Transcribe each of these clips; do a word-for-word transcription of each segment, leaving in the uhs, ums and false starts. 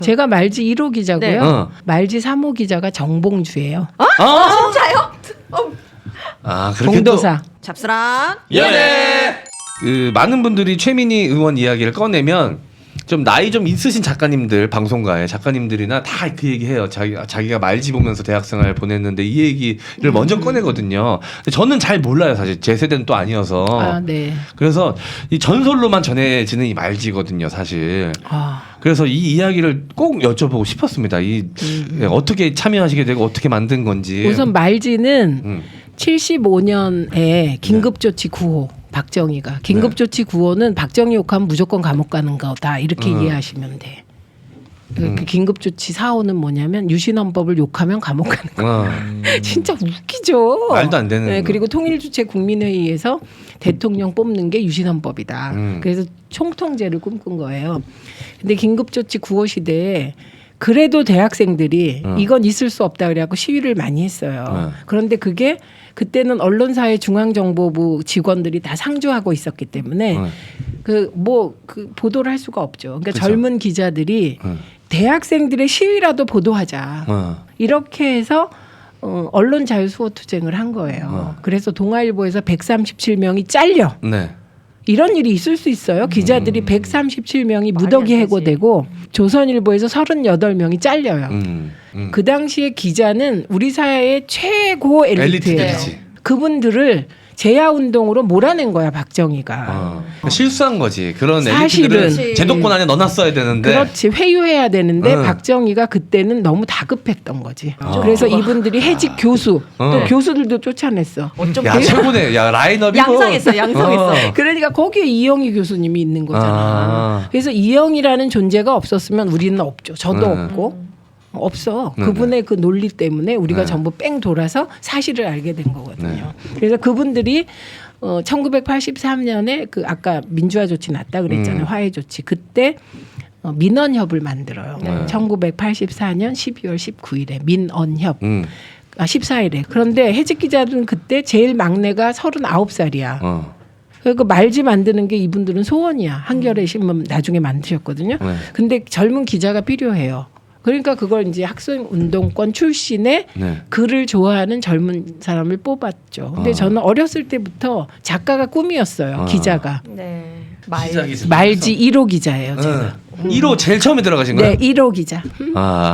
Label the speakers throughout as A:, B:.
A: 제가 말지 일 호 기자고요.
B: 네.
C: 어.
A: 말지 삼 호 기자가 정봉주예요.
B: 아, 아 진짜요? 어.
C: 아, 그렇게
A: 봉도사.
B: 잡스랑
C: 또 예. 그 많은 분들이 최민희 의원 이야기를 꺼내면 좀 나이 좀 있으신 작가님들, 방송가의 작가님들이나 다 그 얘기해요. 자기 자기가 말지 보면서 대학생활 보냈는데 이 얘기를 음. 먼저 꺼내거든요. 근데 저는 잘 몰라요, 사실 제 세대는 또 아니어서.
A: 아, 네.
C: 그래서 이 전설로만 전해지는 이 말지거든요, 사실.
A: 아.
C: 그래서 이 이야기를 꼭 여쭤보고 싶었습니다. 이 음. 어떻게 참여하시게 되고 어떻게 만든 건지.
A: 우선 말지는
C: 음.
A: 칠십오 년에 긴급조치 구 호 박정희가 긴급조치 구 호는 박정희 욕하면 무조건 감옥 가는 거다 이렇게
C: 음.
A: 이해하시면 돼. 그
C: 음.
A: 긴급조치 사 호는 뭐냐면 유신헌법을 욕하면 감옥 가는 거.
C: 어.
A: 진짜 웃기죠.
C: 말도 안 되는.
A: 네, 그리고 통일주체 국민회의에서 대통령 뽑는 게 유신헌법이다.
C: 음.
A: 그래서 총통제를 꿈꾼 거예요. 근데 긴급조치 구 호 시대에 그래도 대학생들이
C: 어.
A: 이건 있을 수 없다 그래갖고 시위를 많이 했어요.
C: 어.
A: 그런데 그게 그때는 언론사의 중앙정보부 직원들이 다 상주하고 있었기 때문에
C: 어.
A: 그 뭐 그 보도를 할 수가 없죠. 그러니까
C: 그쵸.
A: 젊은 기자들이
C: 어.
A: 대학생들의 시위라도 보도하자.
C: 어.
A: 이렇게 해서 어, 언론 자유 수호 투쟁을 한 거예요.
C: 어.
A: 그래서 동아일보에서 백삼십칠 명이 잘려.
C: 네.
A: 이런 일이 있을 수 있어요. 기자들이
C: 음.
A: 백삼십칠 명이
B: 말이
A: 무더기
B: 안 되지.
A: 해고되고 조선일보에서 서른여덟 명이 잘려요.
C: 음. 음.
A: 그 당시에 기자는 우리 사회의 최고 엘리트예요.
C: 엘리트들이지.
A: 그분들을 재야운동으로 몰아낸 거야 박정희가.
C: 어. 실수한 거지. 그런
A: 사실은.
C: 엘리트들은 제도권 안에 넣어놨어야 되는데.
A: 그렇지 회유해야 되는데
C: 응.
A: 박정희가 그때는 너무 다급했던 거지.
C: 어.
A: 그래서 이분들이 해직 교수 또
C: 어.
A: 교수들도 쫓아냈어.
B: 어쩜
C: 야
B: 그래요?
C: 최고네. 야 라인업이 뭐.
B: 양상했어, 양상했어.
C: 어.
A: 그러니까 거기에 이영희 교수님이 있는 거잖아.
C: 아.
A: 그래서 이영희라는 존재가 없었으면 우리는 없죠. 저도
C: 네.
A: 없고. 없어.
C: 네,
A: 그분의 그 논리 때문에 우리가
C: 네.
A: 전부 뺑 돌아서 사실을 알게 된 거거든요.
C: 네.
A: 그래서 그분들이 어, 천구백팔십삼 년에 그 아까 민주화 조치 났다 그랬잖아요.
C: 음.
A: 화해 조치. 그때 어, 민언협을 만들어요.
C: 네.
A: 천구백팔십사 년 십이월 십구일에 민언협.
C: 음.
A: 아, 십사일에. 그런데 해직 기자들은 그때 제일 막내가 서른아홉 살이야.
C: 어.
A: 그 말지 만드는 게 이분들은 소원이야. 한겨레 신문 나중에 만드셨거든요.
C: 네.
A: 근데 젊은 기자가 필요해요. 그러니까 그걸 이제 학생 운동권 출신의
C: 네.
A: 글을 좋아하는 젊은 사람을 뽑았죠. 근데
C: 어.
A: 저는 어렸을 때부터 작가가 꿈이었어요.
C: 어.
A: 기자가.
B: 네. 말.
C: 시작이 진짜
A: 말지 일 호 기자예요. 제가.
C: 응. 일 호 제일 처음에 들어가신 거예요?
A: 네, 일 호 기자.
C: 아.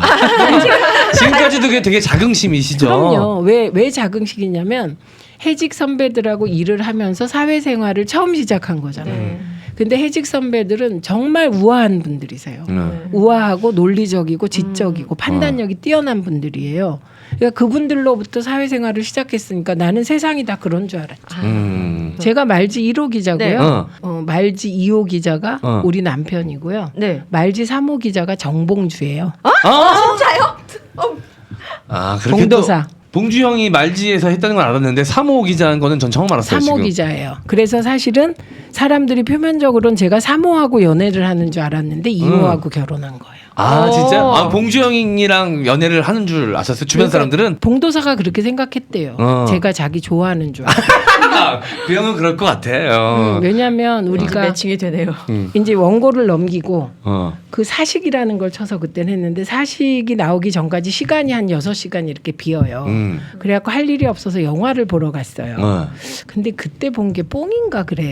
C: 지금까지도 그게 되게 자긍심이시죠?
A: 그럼요. 왜, 왜 자긍식이냐면 해직 선배들하고 일을 하면서 사회생활을 처음 시작한 거잖아요.
B: 네.
A: 근데 해직 선배들은 정말 우아한 분들이세요.
C: 네.
A: 우아하고 논리적이고 지적이고 판단력이 뛰어난 분들이에요. 그러니까 그분들로부터 사회생활을 시작했으니까 나는 세상이 다 그런 줄 알았죠.
C: 음.
A: 제가 말지 일 호 기자고요.
B: 네.
C: 어.
A: 어, 말지 이 호 기자가
C: 어.
A: 우리 남편이고요.
B: 네.
A: 말지 삼 호 기자가 정봉주예요.
C: 아,
B: 진짜요? 어.
C: 아 그렇게
A: 봉도사.
C: 또 봉주 형이 말지에서 했다는 건 알았는데 삼 호 기자인 거는 전 처음 알았어요.
A: 삼 호
C: 지금.
A: 기자예요. 그래서 사실은 사람들이 표면적으로는 제가 삼 호하고 연애를 하는 줄 알았는데 이 호하고 결혼한 거예요.
C: 아
B: 오.
C: 진짜? 아 봉주 형이랑 연애를 하는 줄 아셨어요? 주변
A: 그러니까
C: 사람들은?
A: 봉도사가 그렇게 생각했대요.
C: 어.
A: 제가 자기 좋아하는 줄.
C: 아, 그 형은 그럴 것 같아. 어.
A: 음, 왜냐하면
B: 이제
A: 우리가
B: 매칭이 되네요.
C: 음.
A: 이제 원고를 넘기고
C: 어.
A: 그 사식이라는 걸 쳐서 그때는 했는데 사식이 나오기 전까지 시간이 한 여섯 시간 이렇게 비어요.
C: 음.
A: 그래갖고 할 일이 없어서 영화를 보러 갔어요.
C: 어.
A: 근데 그때 본 게 뽕인가 그래요.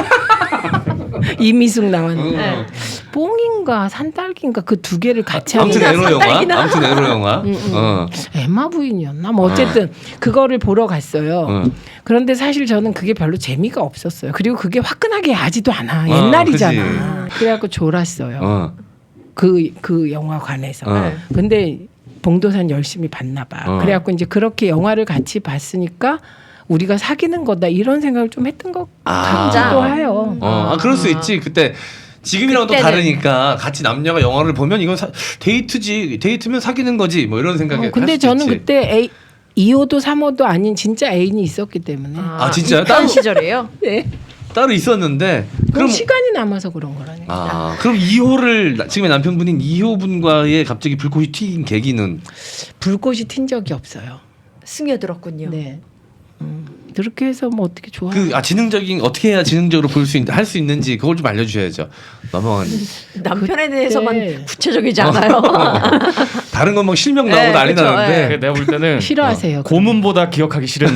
A: 이미숙 나왔는데
B: 네.
A: 뽕인가 산딸기인가 그 두 개를 같이
C: 아무튼
A: 하는
C: 에로 영화.
B: 산딸기나.
C: 아무튼 에로 영화.
A: 음, 음.
C: 어.
A: 에마 부인이었나 뭐 어쨌든 그거를 보러 갔어요.
C: 어.
A: 그런데 사실 저는 그게 별로 재미가 없었어요. 그리고 그게 화끈하게 하지도 않아.
C: 어,
A: 옛날이잖아. 그래갖고 졸았어요.
C: 어.
A: 그, 그 영화관에서.
C: 어.
A: 근데 봉도산 열심히 봤나 봐.
C: 어.
A: 그래갖고 이제 그렇게 영화를 같이 봤으니까 우리가 사귀는 거다 이런 생각을 좀 했던 것
C: 아.
A: 같기도 해요.
C: 어. 아 그럴 수 있지. 그때 지금이랑 또
B: 그때는.
C: 다르니까 같이 남녀가 영화를 보면 이건 사, 데이트지. 데이트면 사귀는 거지. 뭐 이런 생각에.
A: 어, 근데
C: 할 수도
A: 저는
C: 있지.
A: 그때 A, 이 호도 삼 호도 아닌 진짜 애인이 있었기 때문에.
C: 아, 진짜요?
B: 있던
C: 따로-
B: 시절이에요?
A: 네.
C: 따로 있었는데
A: 그럼
C: 그럼
A: 시간이 남아서 그런 거라니까.
C: 아 그럼 이 호를 지금의 남편분인 이 호 분과의 갑자기 불꽃이 튀긴 계기는
A: 불꽃이 튄 적이 없어요.
B: 스며들었군요.
A: 네. 음. 그렇게 해서 뭐 어떻게 좋아?
C: 그 아, 지능적인 어떻게 해야 지능적으로 볼 수 할 수 있는지 그걸 좀 알려주셔야죠. 넘어간
B: 남편에 대해서만
A: 그때-
B: 구체적이지 않아요.
C: 다른 건 막 실명 나오고
B: 네,
C: 난리
B: 그쵸,
C: 나는데
D: 그 내가 볼 때는
A: 싫어하세요.
D: 어, 고문보다 기억하기 싫은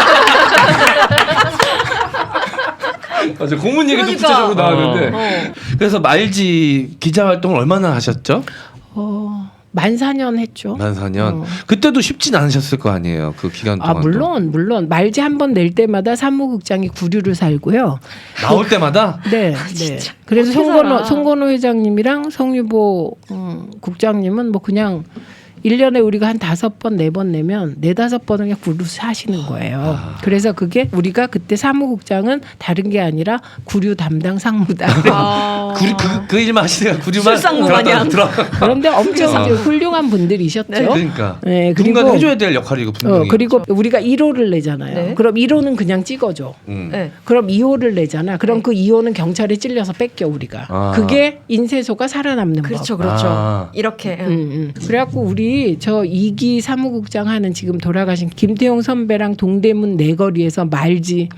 C: 맞아 고문 얘기도
B: 그러니까.
C: 구체적으로 나왔는데
B: 어.
C: 그래서 말지 기자 활동을 얼마나 하셨죠?
A: 어, 만 사 년 했죠.
C: 만 사 년.
A: 어.
C: 그때도 쉽진 않으셨을 거 아니에요. 그 기간 동안.
A: 아 물론 물론 말지 한 번 낼 때마다 사무국장이 구류를 살고요.
C: 나올 때마다
A: 네, 네. 그래서
B: 어떻게
A: 송건호
B: 살아?
A: 송건호 회장님이랑 성유보 음, 국장님은 뭐 그냥 일 년에 우리가 한 다섯 번, 네 번 내면 네다섯 번을 그냥 구류 사시는 거예요. 그래서 그게 우리가 그때 사무국장은 다른 게 아니라 구류 담당 상무다.
B: 아.
C: 구리, 그, 그 일만 하시다가 구류만
B: 술상무
C: 들어갔다
B: 마냥.
C: 들어.
A: 그런데 엄청
C: 어.
A: 이제 훌륭한 분들이셨죠.
B: 네,
C: 그러니까
A: 네,
C: 누군가
A: 그리고-
C: 해줘야 될 역할이고 분명히.
A: 어, 그리고 우리가 일 호를 내잖아요.
B: 네.
A: 그럼 일 호는 그냥 찍어줘.
C: 음.
B: 네.
A: 그럼 이 호를 내잖아. 그럼
B: 네.
A: 그 이 호는 경찰에 찔려서 뺏겨 우리가.
C: 아.
A: 그게 인쇄소가 살아남는
B: 그렇죠,
A: 법.
B: 그렇죠.
C: 아.
B: 이렇게.
A: 음, 음. 그래갖고 우리 저 이기 사무국장 하는 지금 돌아가신 김태용 선배랑 동대문 내거리에서 말지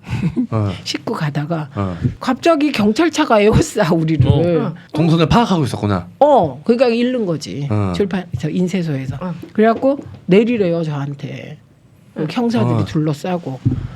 C: 어.
A: 싣고 가다가
C: 어.
A: 갑자기 경찰차가 에워싸 우리를.
D: 어.
A: 어.
C: 동선을 파악하고 있었구나.
A: 그러니까 잃는 거지.
C: 어.
A: 출판 저 인쇄소에서.
B: 어.
A: 그래갖고 내리래요 저한테. 형사들이
B: 어.
A: 둘러싸고.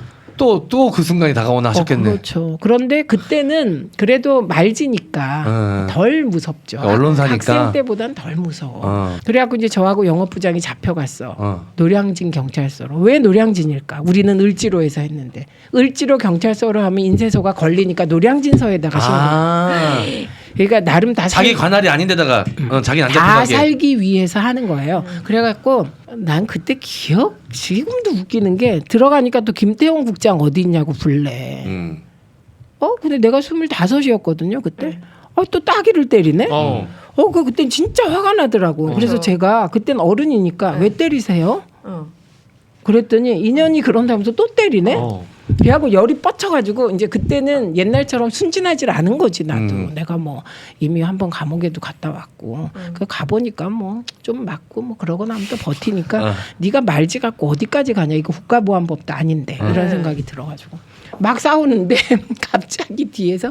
C: 또 또 그 순간이 다가오나 하셨겠네.
A: 어, 그렇죠. 그런데 그때는 그래도 말지니까
C: 어.
A: 덜 무섭죠.
C: 언론사니까.
A: 학생 때보단 덜 무서워.
C: 어.
A: 그래갖고 이제 저하고 영업부장이 잡혀갔어.
C: 어.
A: 노량진 경찰서로. 왜 노량진일까? 우리는 을지로에서 했는데 을지로 경찰서로 하면 인쇄소가 걸리니까 노량진서에다가 신고.
C: 아.
A: 그러니까 나름 다
C: 자기
A: 살-
C: 관할이 아닌데다가 어, 자기 안
A: 다
C: 잡히게.
A: 살기 위해서 하는 거예요. 그래갖고 난 그때 기억 지금도 웃기는 게 들어가니까 또 김태용 국장 어디 있냐고 불래.
C: 음.
A: 어 근데 내가 스물다섯이었거든요 그때. 어 또 따기를 때리네.
D: 어.
A: 어 그 그때 진짜 화가 나더라고. 그래서
B: 그렇죠.
A: 제가 그땐 어른이니까
B: 네.
A: 왜 때리세요?
B: 어.
A: 그랬더니 인연이 그런다면서 또 때리네.
D: 어.
A: 그래갖고 열이 뻗쳐가지고 이제 그때는 옛날처럼 순진하지 않은 거지 나도.
C: 음.
A: 내가 뭐 이미 한번 감옥에도 갔다 왔고
B: 음.
A: 그 가보니까 뭐 좀 맞고 뭐 그러고 나면 또 버티니까
C: 어.
A: 네가 말지 갖고 어디까지 가냐 이거 국가보안법도 아닌데
C: 음.
A: 이런
B: 네.
A: 생각이 들어가지고 막 싸우는데 갑자기 뒤에서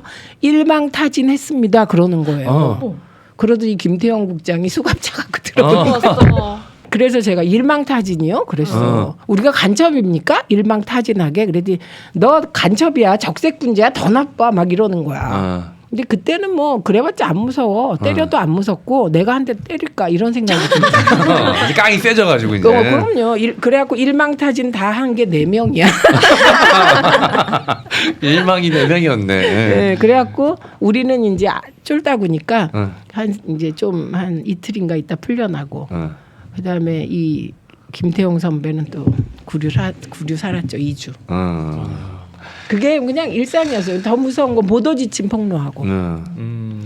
A: 일망타진했습니다 그러는 거예요.
C: 어.
A: 그러더니 김태형 국장이 수갑차 갖고 들어오고
C: 어.
B: 좋았어.
A: 그래서 제가 일망타진이요? 그랬어.
C: 어.
A: 우리가 간첩입니까? 일망타진하게. 그랬더니 너 간첩이야. 적색군자야. 더 나빠. 막 이러는 거야.
C: 어.
A: 근데 그때는 뭐 그래봤자 안 무서워. 때려도 안 무섭고 내가 한 대 때릴까 이런 생각이 들어요.
C: 어. 이제 깡이 세져가지고 이제.
A: 어, 그럼요. 일, 그래갖고 일망타진 다 한 게 네 명이야.
C: 일망이 네 명이었네.
A: 네, 그래갖고 우리는 이제 아- 쫄다구니까
C: 어.
A: 한 이제 좀 한 이틀인가 있다 풀려나고
C: 어.
A: 그다음에 이 김태용 선배는 또 구류 사 구류 살았죠 이 주.
C: 어.
A: 그게 그냥 일상이었어요. 더 무서운 건 보도 지침 폭로하고.
C: 어.
D: 음.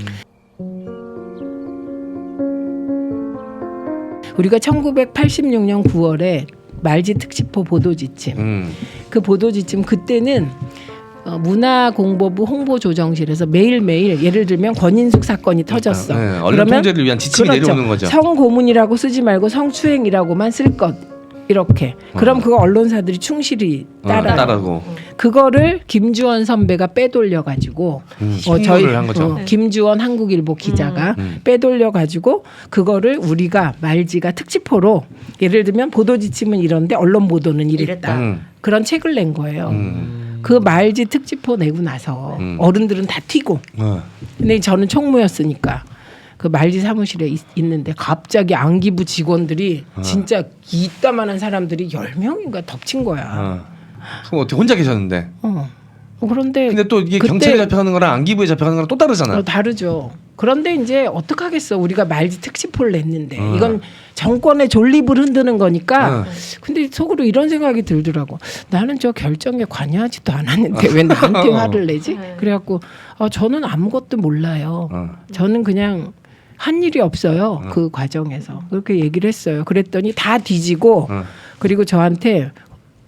A: 우리가 천구백팔십육 년 구월에 말지 특집호 보도 지침.
C: 음.
A: 그 보도 지침 그때는 어, 문화공보부 홍보조정실에서 매일매일 예를 들면 권인숙 사건이 터졌어.
C: 네, 언론 통제를 위한 지침이
A: 그렇죠.
C: 내려오는 거죠.
A: 성고문이라고 쓰지 말고 성추행이라고만 쓸 것. 이렇게. 그럼
C: 어.
A: 그거 언론사들이 충실히 따라.
C: 어, 따라고.
A: 그거를 김주원 선배가 빼돌려 가지고
C: 음,
A: 어,
C: 식물을 한 거죠.
A: 어, 김주원 한국일보 기자가
C: 음.
A: 빼돌려 가지고 그거를 우리가 말지가 특집호로 예를 들면 보도 지침은 이런데 언론 보도는 이랬다.
B: 이랬다.
C: 음.
A: 그런 책을 낸 거예요.
C: 음.
A: 그 말지 특집호 내고 나서
C: 음.
A: 어른들은 다 튀고.
C: 어.
A: 근데 저는 총무였으니까 그 말지 사무실에 있, 있는데 갑자기 안기부 직원들이
C: 어.
A: 진짜 이따만한 사람들이 열 명인가 덮친 거야.
C: 어. 그럼 어떻게 혼자 계셨는데?
A: 어. 어, 그런데
C: 근데 또 이게
A: 그때-
C: 경찰에 잡혀가는 거랑 안기부에 잡혀가는 거랑 또 다르잖아.
A: 어, 다르죠. 그런데 이제 어떡하겠어. 우리가 말지 특집호를 냈는데
C: 어.
A: 이건 정권의 존립을 흔드는 거니까.
C: 어.
A: 근데 속으로 이런 생각이 들더라고. 나는 저 결정에 관여하지도 않았는데 왜 나한테 화를 내지?
B: 네.
A: 그래갖고 어, 저는 아무것도 몰라요.
C: 어.
A: 저는 그냥 한 일이 없어요. 그 과정에서. 그렇게 얘기를 했어요. 그랬더니 다 뒤지고
C: 어.
A: 그리고 저한테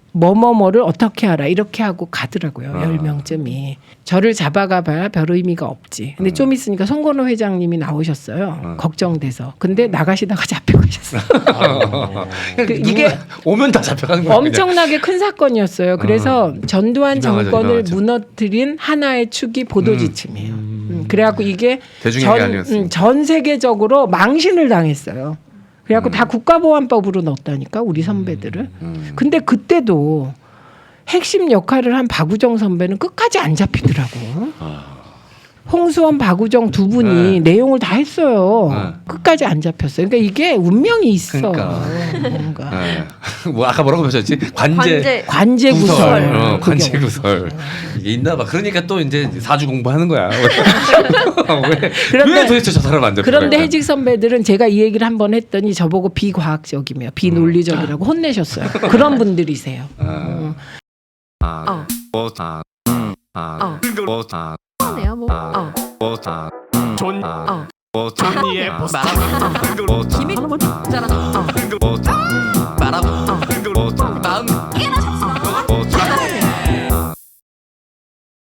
A: 뭐뭐뭐를 어떻게 알아 이렇게 하고 가더라고요.
C: 아.
A: 열 명쯤이. 저를 잡아가 봐야 별 의미가 없지. 근데
C: 음.
A: 좀 있으니까 송건호 회장님이 나오셨어요.
C: 음.
A: 걱정돼서. 근데 나가시다가 잡혀가셨어요. 그 이게
C: 누구나 오면 다 잡혀가는 거야.
A: 엄청나게 큰 사건이었어요. 그래서 전두환
C: 유명하죠,
A: 정권을
C: 유명하죠.
A: 무너뜨린 하나의 축이 보도지침이에요. 음. 그래가지고 이게
C: 대중에게
A: 전,
C: 알렸으니까.
A: 음, 전 세계적으로 망신을 당했어요. 그래갖고
C: 음.
A: 다 국가보안법으로 넣었다니까 우리 선배들을.
C: 음.
A: 근데 그때도 핵심 역할을 한 박우정 선배는 끝까지 안 잡히더라고. 홍수원, 박우정 두 분이
C: 네.
A: 내용을 다 했어요.
C: 네.
A: 끝까지 안 잡혔어요. 그러니까 이게 운명이 있어.
C: 그러니까.
A: 뭔가.
C: 네. 뭐 아까 뭐라고 하셨지? 관제.
B: 관제
A: 관제 구설.
C: 구설. 어,
A: 그게
C: 관제
A: 없어.
C: 구설. 이게 있나 봐. 그러니까 또 이제 사주 공부하는 거야. 왜,
A: 그런데-
C: 왜 도대체 저 사람 안 잡혀?
A: 그런데 해직 선배들은 제가 이 얘기를 한 번 했더니 저보고 비과학적이며 비논리적이라고 혼내셨어요. 그런 분들이세요. 어.
C: 아,
B: 어.
C: 뭐, 아, 음, 아,
B: 어.
C: 뭐, 아,
B: 하네요 뭐.
C: 아,
B: 어.
C: 뭐, 아, 음,
D: 존
C: 아,
B: 어.
C: 뭐,
D: 존니의
C: 아,
D: 보스.
C: 뭐,
B: 기믹
C: 아,
B: 있잖아. 어.
C: 뭐, 아,
B: 말하고. 어.